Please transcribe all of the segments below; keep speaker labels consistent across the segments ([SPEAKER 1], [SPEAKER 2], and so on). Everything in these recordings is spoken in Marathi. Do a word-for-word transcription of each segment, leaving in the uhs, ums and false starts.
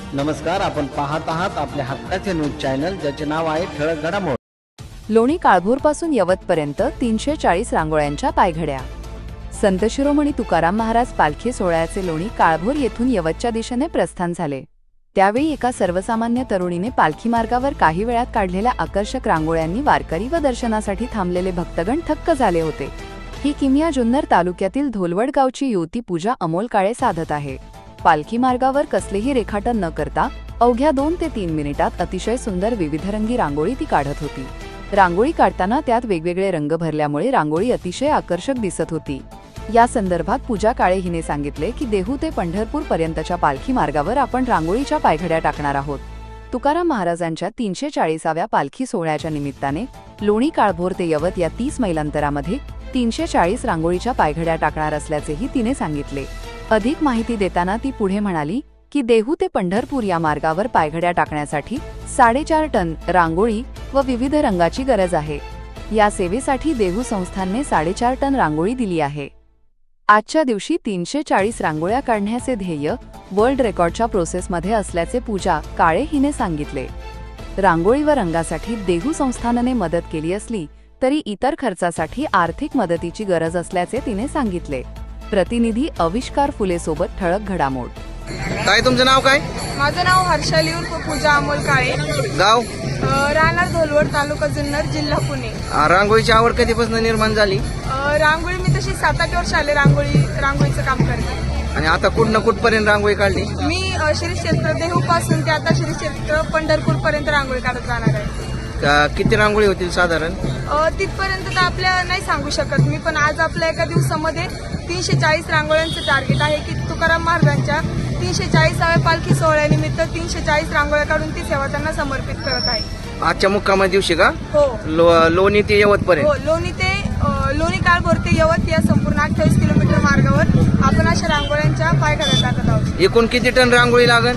[SPEAKER 1] नमस्कार, आपण पाहत आहात आपल्या हक्काचे न्यूज चॅनल, ज्याचे नाव आहे ठळक घडामोड.
[SPEAKER 2] लोणी काळभोरपासून यवतपर्यंत तीनशे चाळीस रांगोळ्यांच्या पायघड्या. संत शिरोमणी तुकाराम महाराज पालखी सोहळ्याचे लोणी काळभोर येथून यवतच्या दिशेने प्रस्थान झाले. त्यावेळी एका सर्वसामान्य तरुणीने पालखी मार्गावर काही वेळात काढलेल्या आकर्षक रांगोळ्यांनी वारकरी व दर्शनासाठी थांबलेले भक्तगण थक्क झाले होते. ही किमिया जुन्नर तालुक्यातील धोलवड गावची युवती पूजा अमोल काळे साधत आहे. पालखी मार्गावर कसलेही रेखाटन न करता अवघ्या दोन ते तीन मिनिटात अतिशय सुंदर विविधरंगी रांगोळी ती काढत होती. रांगोळी काढताना त्यात वेगवेगळे रंग भरल्यामुळे रांगोळी अतिशय आकर्षक दिसत होती. या संदर्भात पूजा काळे हिने सांगितले की देहू ते पंढरपूर पर्यंतच्या पालखी मार्गावर आपण रांगोळीच्या पायघड्या टाकणार आहोत. तुकाराम महाराजांच्या तीनशे चाळीसाव्या पालखी सोहळ्याच्या निमित्ताने लोणी काळभोर ते यवत या तीस मैल अंतरामध्ये तीनशे चाळीस रांगोळीच्या पायघड्या टाकणार असल्याचेही तिने सांगितले. अधिक माहिती देताना ती पुढे म्हणाली की देहू ते पंढरपूर या मार्गावर पायघड्या टाकण्यासाठी साडेचार टन रांगोळी व विविध रंगाची गरज आहे. या सेवेसाठी देहू संस्थानने साडेचार टन रांगोळी दिली आहे. आजच्या दिवशी तीनशे चाळीस रांगोळ्या काढण्याचे ध्येय वर्ल्ड रेकॉर्डच्या प्रोसेसमध्ये असल्याचे पूजा काळे हिने सांगितले. रांगोळी व रंगासाठी देहू संस्थानने मदत केली असली तरी इतर खर्चासाठी आर्थिक मदतीची गरज असल्याचे तिने सांगितले. प्रतिनिधी अविष्कार फुले सोबत ठळक घडामोड.
[SPEAKER 3] काय तुमचं नाव काय?
[SPEAKER 4] माझं नाव हर्षाली उर्फ पूजा अमोल काळे.
[SPEAKER 3] गाव?
[SPEAKER 4] राहणार धोलवड, तालुका जुन्नर, जिल्हा पुणे.
[SPEAKER 3] रांगोळीची आवड कधीपासून निर्माण झाली?
[SPEAKER 4] रांगोळी मी तशी सात आठ वर्ष आले रांगोळी रांगोळीचं काम करते.
[SPEAKER 3] आणि आता कुठ ना कुठपर्यंत रांगोळी काढली?
[SPEAKER 4] मी श्री क्षेत्र देहू पासून ते आता श्री क्षेत्र पंढरपूर पर्यंत रांगोळी काढत जाणार आहे.
[SPEAKER 3] किती रांगोळी होतील साधारण?
[SPEAKER 4] तिथपर्यंत तर आपल्याला नाही सांगू शकत मी, पण आज आपल्या एका दिवसामध्ये तीनशे चाळीस रांगोळ्यांचं टार्गेट आहे की तुकाराम महाराजांच्या तीनशे चाळीसाव्या पालखी सोहळ्यानिमित्त तीनशे चाळीस रांगोळ्या काढून ती सेवा त्यांना समर्पित करत आहे.
[SPEAKER 3] आजच्या मुक्कामा दिवशी का?
[SPEAKER 4] हो.
[SPEAKER 3] लो, लोणी ते यवत पर्यंत?
[SPEAKER 4] हो, लोणी ते लोणी काळभोर ते यवत या संपूर्ण अठ्ठावीस किलोमीटर मार्गावर आपण अशा रांगोळ्यांच्या पायघड्या टाकत आहोत.
[SPEAKER 3] एकूण किती टन रांगोळी लागेल?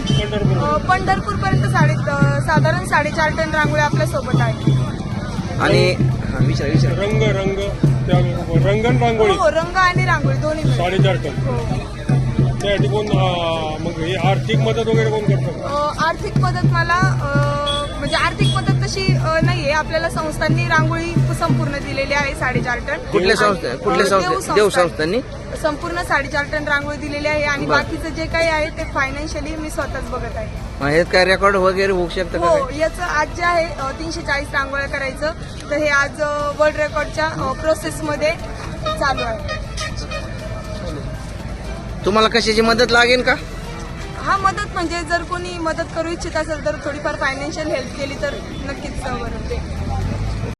[SPEAKER 4] पंढरपूर पर्यंत साडे साधारण साडेचार टन रांगोळी आपल्या सोबत आहे.
[SPEAKER 3] आणि विचार विचार
[SPEAKER 5] रंग रंग रंगन रांगोळी?
[SPEAKER 4] हो, रंग आणि रांगोळी दोन्ही मिळून.
[SPEAKER 5] साडेचार टन.
[SPEAKER 4] हो.
[SPEAKER 5] त्यासाठी कोण मग हे आर्थिक मदत वगैरे कोण करतं?
[SPEAKER 4] आर्थिक मदत मला म्हणजे आर्थिक मदत तशी नाहीये. आपल्याला संस्थांनी रांगोळी संपूर्ण दिलेली आहे साडेचार टन.
[SPEAKER 3] कुठल्या संस्था? कुठल्या संस्था? देव संस्थांनी
[SPEAKER 4] संपूर्ण साडेचार टन रांगोळी दिलेली आहे. आणि बाकीचं जे काही आहे ते फायनान्शियली मी स्वतःच बघत आहे.
[SPEAKER 3] हे काय रेकॉर्ड वगैरे होऊ शकतं का?
[SPEAKER 4] हो, याचं आज जे आहे तीनशे चाळीस रांगोळ्या करायचं, तर हे आज वर्ल्ड रेकॉर्डच्या प्रोसेसमध्ये चालू आहे.
[SPEAKER 3] तुम्हाला कशाची मदत लागेल का?
[SPEAKER 4] हा, मदत म्हणजे जर कोणी मदत करू इच्छित असेल तर थोडीफार फायनान्शियल हेल्प केली तर नक्कीच बरं.